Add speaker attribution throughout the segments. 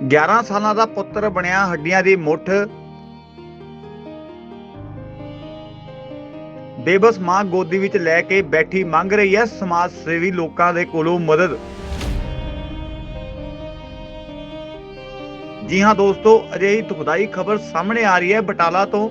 Speaker 1: 11 ਸਾਲਾਂ ਦਾ ਪੁੱਤਰ ਬਣਿਆ ਹੱਡੀਆਂ ਦੀ ਮੁੱਠ। ਬੇਬਸ ਮਾਂ ਗੋਦੀ ਵਿੱਚ ਲੈ ਕੇ ਬੈਠੀ ਮੰਗ ਰਹੀ ਹੈ ਸਮਾਜ ਸੇਵੀ ਲੋਕਾਂ ਦੇ ਕੋਲੋਂ ਮਦਦ। ਜੀ ਹਾਂ ਦੋਸਤੋ, ਅਜਿਹੀ ਦੁਖਦਾਈ ਖਬਰ ਸਾਹਮਣੇ ਆ ਰਹੀ ਹੈ ਬਟਾਲਾ ਤੋਂ।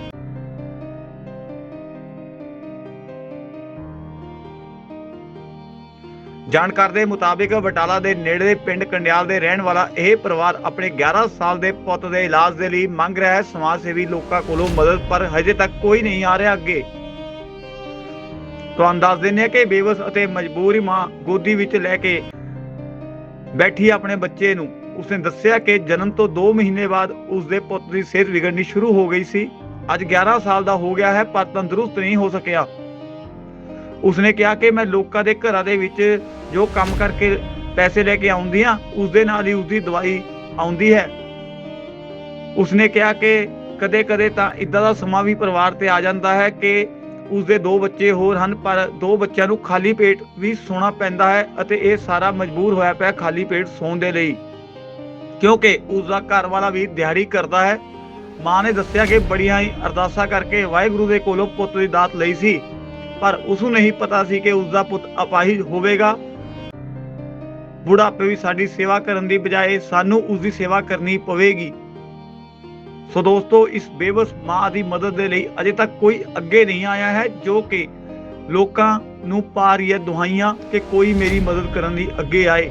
Speaker 1: ਜਾਣਕਾਰੀ ਦੇ ਮੁਤਾਬਿਕ ਬਟਾਲਾ ਦੇ ਨੇੜੇ ਪਿੰਡ ਕੰਡਿਆਲ ਦੇ ਰਹਿਣ ਵਾਲਾ ਇਹ ਪਰਿਵਾਰ ਆਪਣੇ 11 ਸਾਲ ਦੇ ਪੁੱਤ ਦੇ ਇਲਾਜ ਦੇ ਲਈ ਮੰਗ ਰਿਹਾ ਹੈ ਸਮਾਜ ਸੇਵੀ ਲੋਕਾਂ ਕੋਲੋਂ ਮਦਦ, ਪਰ ਹਜੇ ਤੱਕ ਕੋਈ ਨਹੀਂ ਆ ਰਿਹਾ ਅੱਗੇ। ਤੁਹਾਨੂੰ ਦੱਸ ਦਿੰਦੇ ਹਾਂ ਕਿ ਬੇਵਸ ਅਤੇ ਮਜਬੂਰ ਮਾਂ ਗੋਦੀ ਵਿੱਚ ਲੈ ਕੇ ਬੈਠੀ ਆਪਣੇ ਬੱਚੇ ਨੂੰ। ਉਸਨੇ ਦੱਸਿਆ ਕਿ ਜਨਮ ਤੋਂ 2 ਮਹੀਨੇ ਬਾਅਦ ਉਸਦੇ ਪੁੱਤ ਦੀ ਸਿਹਤ ਵਿਗੜਨੀ ਸ਼ੁਰੂ ਹੋ ਗਈ ਸੀ। ਅੱਜ 11 ਸਾਲ ਦਾ ਹੋ ਗਿਆ ਹੈ ਪਰ ਤੰਦਰੁਸਤ ਨਹੀਂ ਹੋ ਸਕਿਆ। ਉਸਨੇ ਕਿਹਾ ਕਿ ਮੈਂ ਲੋਕਾਂ ਦੇ ਘਰਾਂ ਦੇ ਵਿੱਚ ਜੋ ਕੰਮ ਕਰਕੇ ਪੈਸੇ ਲੈ ਕੇ ਆਉਂਦੀ ਹਾਂ ਉਸਦੇ ਨਾਲ ਹੀ ਉਸਦੀ ਦਵਾਈ ਆਉਂਦੀ ਹੈ। ਉਸਨੇ ਕਿਹਾ ਕਿ ਕਦੇ ਕਦੇ ਤਾਂ ਇਦਾਂ ਦਾ ਸਮਾਂ ਵੀ ਪਰਿਵਾਰ ਤੇ ਆ ਜਾਂਦਾ ਹੈ ਕਿ ਉਸਦੇ 2 ਬੱਚੇ ਹੋਰ ਹਨ, ਪਰ 2 ਬੱਚਿਆਂ ਨੂੰ ਖਾਲੀ ਪੇਟ ਵੀ ਸੌਣਾ ਪੈਂਦਾ ਹੈ ਅਤੇ ਇਹ ਸਾਰਾ ਮਜਬੂਰ ਹੋਇਆ ਪਿਆ ਖਾਲੀ ਪੇਟ ਸੌਣ ਦੇ ਲਈ, ਕਿਉਂਕਿ ਉਸਦਾ ਘਰ ਵਾਲਾ ਵੀ ਦਿਹਾੜੀ ਕਰਦਾ ਹੈ। ਮਾਂ ਨੇ ਦੱਸਿਆ ਕਿ ਬੜੀਆਂ ਹੀ ਅਰਦਾਸਾਂ ਕਰਕੇ ਵਾਹਿਗੁਰੂ ਦੇ ਕੋਲੋਂ ਪੁੱਤ ਦੀ ਦਾਤ ਲਈ ਸੀ, ਪਰ ਉਸਨੂੰ ਨਹੀਂ ਪਤਾ ਸੀ ਕਿ ਉਸਦਾ ਪੁੱਤ ਅਪਾਹਿਜ ਹੋਵੇਗਾ। ਬੁਢਾਪੇ ਵੀ ਸਾਡੀ ਸੇਵਾ ਕਰਨ ਦੀ ਬਜਾਏ ਸਾਨੂੰ ਉਸਦੀ ਸੇਵਾ ਕਰਨੀ ਪਵੇਗੀ। ਸੋ ਦੋਸਤੋ, ਇਸ ਬੇਵਸ ਮਾਂ ਦੀ ਮਦਦ ਦੇ ਲਈ ਅਜੇ ਤੱਕ ਕੋਈ ਅੱਗੇ ਨਹੀਂ ਆਇਆ ਹੈ, ਜੋ ਕਿ ਲੋਕਾਂ ਨੂੰ ਪਾ ਰਹੀ ਹੈ ਦੁਹਾਈਆਂ ਕਿ ਕੋਈ ਮੇਰੀ ਮਦਦ ਕਰਨ ਲਈ ਅੱਗੇ ਆਏ।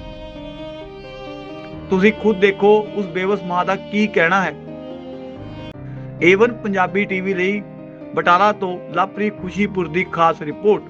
Speaker 1: ਤੁਸੀਂ ਖੁਦ ਦੇਖੋ ਉਸ ਬੇਵਸ ਮਾਂ ਦਾ ਕੀ ਕਹਿਣਾ ਹੈ। ਏਵਨ ਪੰਜਾਬੀ ਟੀਵੀ ਲਈ ਬਟਾਲਾ ਤੋਂ ਲਵਪ੍ਰੀਤ ਖੁਸ਼ੀਪੁਰ ਦੀ ਖਾਸ ਰਿਪੋਰਟ।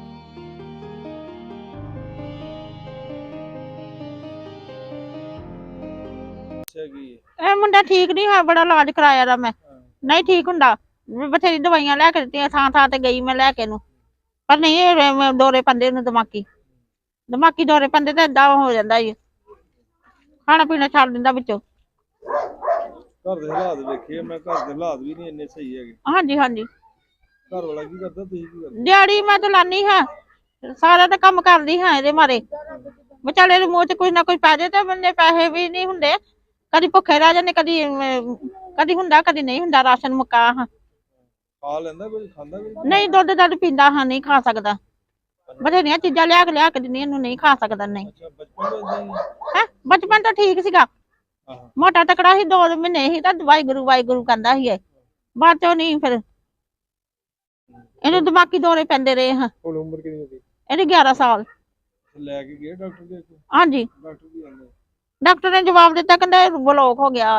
Speaker 2: ਇਹ ਮੁੰਡਾ ਠੀਕ ਨਹੀਂ ਹੋਇਆ, ਬੜਾ ਇਲਾਜ ਕਰਾਇਆ ਦਾ ਮੈਂ, ਨਹੀਂ ਠੀਕ ਹੁੰਦਾ। ਬਥੇਰੀ ਦਵਾਈਆਂ ਲੈ ਕੇ ਦਿੱਤੀਆਂ, ਥਾਂ ਥਾਂ ਤੇ ਗਈ ਮੈਂ ਲੈ ਕੇ ਨੂੰ, ਪਰ ਨਹੀਂ ਇਹ ਦੌਰੇ ਪੈਂਦੇ ਨੂੰ, ਦਿਮਾਗੀ ਦੌਰੇ ਪੈਂਦੇ ਤੇ ਏਦਾਂ ਹੋ ਜਾਂਦਾ ਜੀ, ਖਾਣਾ ਪੀਣਾ ਛੱਡ ਦਿੰਦਾ ਵਿੱਚੋਂ।
Speaker 3: ਘਰ ਦੇ ਹਾਲਾਤ ਵੇਖੇ ਮੈਂ, ਘਰ ਦੇ ਹਾਲਾਤ ਵੀ ਨਹੀਂ ਇੰਨੇ ਸਹੀ ਹੈਗੇ।
Speaker 2: ਹਾਂਜੀ ਹਾਂਜੀ।
Speaker 3: ਘਰ ਵਾਲਾ ਕੀ ਕਰਦਾ, ਤੁਸੀਂ ਕੀ ਕਰਦੇ?
Speaker 2: ਦਿਹਾੜੀ ਮੈਂ ਤਾਂ ਲਾਨੀ ਹਾਂ, ਸਾਰਾ ਤਾਂ ਕੰਮ ਕਰਦੀ ਹਾਂ ਇਹਦੇ ਮਾਰੇ। ਵਿਚਾਲੇ ਦੇ ਮੂੰਹ ਚ ਕੁਝ ਨਾ ਕੁਝ ਪੈ ਜਾਏ ਤੇ ਬੰਦੇ ਪੈਸੇ ਵੀ ਨਹੀਂ ਹੁੰਦੇ, ਕਦੀ ਭੁੱਖੇ ਰਹਿ ਜਾਂਦੇ, ਕਦੀ ਹੁੰਦਾ ਕਦੀ ਨਹੀਂ ਹੁੰਦਾ। ਰਾਸ਼ਨ ਮੁੱਕਾ ਹਾਂ,
Speaker 3: ਖਾ ਲੈਂਦਾ ਕੁਝ, ਖਾਂਦਾ ਕੁਝ?
Speaker 2: ਨਹੀਂ ਦੁੱਧ ਦੱਧ ਪੀਂਦਾ ਹਾਂ, ਨਹੀਂ ਖਾ ਸਕਦਾ। ਬਥੇਰੀਆਂ ਚੀਜ਼ਾਂ ਲਿਆ ਕੇ ਦਿੰਦੀਆਂ, ਇਹਨੂੰ ਨਹੀਂ ਖਾ ਸਕਦਾ। ਨਹੀਂ ਹੈ, ਬਚਪਨ ਤਾਂ ਠੀਕ ਸੀਗਾ, ਮੋਟਾ ਤਕੜਾ ਸੀ, 2 ਮਹੀਨੇ ਸੀ ਤਾਂ ਵਾਹਿਗੁਰੂ ਕਹਿੰਦਾ ਸੀ। ਬਾਅਦ ਚੋਂ ਨਹੀਂ, ਫਿਰ ਇਹਨੂੰ ਦਿਮਾਗੀ ਦੌਰੇ ਪੈਂਦੇ ਰਹੇ ਹਾਂ।
Speaker 3: ਹੁਣ ਉਮਰ ਕਿੰਨੀ ਹੋਈ?
Speaker 2: ਇਹਦੀ 11 ਸਾਲ।
Speaker 3: ਲੈ ਕੇ ਗਏ ਡਾਕਟਰ ਦੇ ਕੋਲ?
Speaker 2: ਹਾਂਜੀ,
Speaker 3: ਡਾਕਟਰ ਕੀ ਕਹਿੰਦੇ?
Speaker 2: ਡਾਕਟਰ ਨੇ ਜਵਾਬ ਦਿੱਤਾ, ਕਹਿੰਦਾ ਬਲੌਕ ਹੋ ਗਿਆ।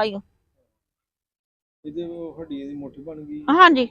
Speaker 3: ਇਹਦੇ ਹੱਡੀਆਂ ਦੀ ਮੁੱਠ ਬਣ ਗਈ?
Speaker 2: ਹਾਂਜੀ।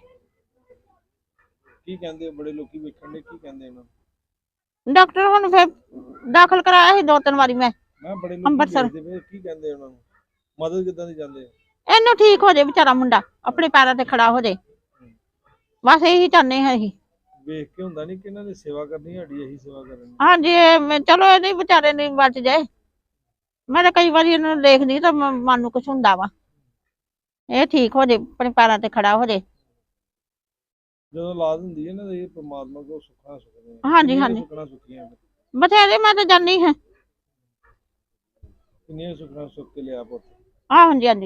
Speaker 3: ਕੀ ਕਹਿੰਦੇ ਬੜੇ ਲੋਕੀ ਵੇਖਣ ਦੇ, ਕੀ ਕਹਿੰਦੇ ਇਹਨਾਂ?
Speaker 2: ਡਾਕਟਰ ਹੁਣ ਫਿਰ ਦਾਖਲ ਕਰਾਇਆ ਸੀ 2-3 ਵਾਰੀ ਮੈਂ
Speaker 3: ਬੜੇ ਲੋਕੀ
Speaker 2: ਅੰਮ੍ਰਿਤਸਰ।
Speaker 3: ਵੇਖਦੇ, ਕੀ ਕਹਿੰਦੇ ਉਹਨਾਂ ਨੂੰ? ਮਦਦ ਕਿੱਦਾਂ ਦੀ ਚਾਹੁੰਦੇ?
Speaker 2: ਇਹਨੂੰ ਠੀਕ ਹੋ ਜਾਏ ਵਿਚਾਰਾ ਮੁੰਡਾ, ਆਪਣੇ ਪੈਰਾਂ ਤੇ ਖੜਾ ਹੋ ਜਾਏ, ਬਸ ਇਹੀ ਚਾਹੁੰਦੇ ਹਾਂ ਅਸੀਂ।
Speaker 3: ਵੇਖ ਕੇ ਹੁੰਦਾ ਨਹੀਂ ਕਿ ਇਹਨਾਂ ਦੀ ਸੇਵਾ ਕਰਨੀ, ਸਾਡੀ ਇਹੀ ਸੇਵਾ ਕਰਨੀ।
Speaker 2: ਹਾਂਜੀ, ਚਲੋ ਇਹਦੇ ਵਿਚਾਰੇ ਨੇ ਬਚ ਜਾਏ। ਮੈਂ ਤਾਂ ਕਈ ਵਾਰੀ ਇਹਨਾਂ ਨੂੰ ਦੇਖਦੀ ਤਾਂ ਮਨ ਨੂੰ ਕੁਛ ਹੁੰਦਾ ਵਾ, ਇਹ ਠੀਕ ਹੋ ਜਾਏ, ਆਪਣੇ ਪੈਰਾਂ ਤੇ ਖੜਾ ਹੋ ਜਾਏ।
Speaker 3: ਜਦੋਂ ਔਲਾਦ ਹੁੰਦੀ ਹੈ ਨਾ, ਇਹ ਪਰਮਾਤਮਾ ਕੋਲ ਸੁੱਖਾਂ ਸੁੱਖਦੇ ਆ।
Speaker 2: ਹਾਂਜੀ ਹਾਂਜੀ,
Speaker 3: ਸੁੱਖਣਾ ਸੁੱਖੀਆਂ
Speaker 2: ਬਥੇਰੇ ਮੈਂ ਤਾਂ ਜਾਨੀ ਹਾਂ।
Speaker 3: ਕਿੰਨੀਆਂ ਸੁੱਖਣਾ ਸੁੱਖ ਕੇ ਲਿਆ ਪੁੱਤ?
Speaker 2: ਹਾਂਜੀ ਹਾਂਜੀ।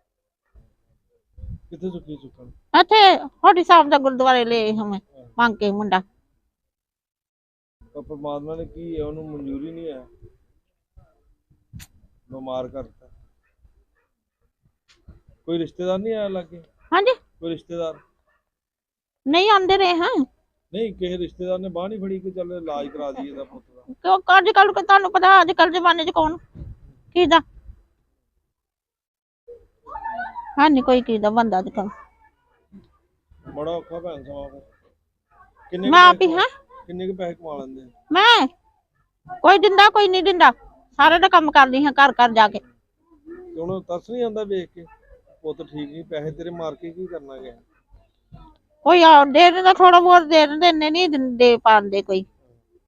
Speaker 3: ਕਿੱਥੇ ਸੁੱਖੀ ਸੁੱਖਣ?
Speaker 2: ਇੱਥੇ ਹੋਡੀ ਸਾਹਿਬ ਦਾ ਗੁਰਦੁਆਰੇ ਲਏ ਮੈਂ ਮੰਗ ਕੇ ਮੁੰਡਾ।
Speaker 3: ਪਰ ਪਰਮਾਤਮਾ ਨੇ ਕੀ ਹੈ, ਉਹਨੂੰ ਮਨਜ਼ੂਰੀ ਨਹੀਂ ਹੈ, ਬਿਮਾਰ ਕਰਤਾ। ਕੋਈ ਰਿਸ਼ਤੇਦਾਰ ਨਹੀਂ ਆਇਆ ਲਾਗੇ?
Speaker 2: ਹਾਂਜੀ,
Speaker 3: ਕੋਈ ਰਿਸ਼ਤੇਦਾਰ
Speaker 2: ਨਹੀਂ ਆਂਦੇ ਰਹੇ ਹਾਂ।
Speaker 3: ਨਹੀਂ, ਕਿਸੇ ਰਿਸ਼ਤੇਦਾਰ ਨੇ ਬਾਂਹ ਨਹੀਂ ਫੜੀ ਕਿ ਚੱਲ ਇਲਾਜ ਕਰਾ ਦਈਏ ਇਹਦਾ ਪੁੱਤ ਦਾ?
Speaker 2: ਕਿਉਂ ਅੱਜ ਕੱਲ ਤੁਹਾਨੂੰ ਪਤਾ, ਅੱਜ ਕੱਲ ਜ਼ਮਾਨੇ ਚ ਕੌਣ ਕਿਹਦਾ ਹਾਂਜੀ, ਕੋਈ ਕਿਹਦਾ ਬੰਦਾ ਅੱਜ ਕੱਲ।
Speaker 3: ਬੜਾ ਔਖਾ ਭੈਣ ਸਮਾਂ।
Speaker 2: ਮੈਂ ਆਪ ਹੀ ਹਾਂ।
Speaker 3: ਕਿੰਨੇ ਕੁ ਪੈਸੇ ਕਮਾ ਲੈਂਦੇ?
Speaker 2: ਮੈਂ ਕੋਈ ਦਿੰਦਾ ਕੋਈ ਨਹੀਂ ਦਿੰਦਾ, ਸਾਰੇ ਦਾ ਕੰਮ ਕਰਦੀ ਹਾਂ ਘਰ ਘਰ ਜਾ ਕੇ।
Speaker 3: ਤੇ ਉਹਨੂੰ ਤਰਸ ਨਹੀਂ ਆਉਂਦਾ ਵੇਖ ਕੇ, ਪੁੱਤ ਠੀਕ ਨਹੀਂ, ਪੈਸੇ ਤੇਰੇ ਮਾਰ ਕੇ ਕੀ ਕਰਨਾ ਗਿਆ?
Speaker 2: ਕੋਈ ਦੇ ਦਿੰਦਾ, ਥੋੜਾ ਬਹੁਤ ਦੇ ਦਿੰਦੇ, ਇੰਨੇ ਨਹੀਂ ਦੇ ਪਾਉਂਦੇ ਕੋਈ।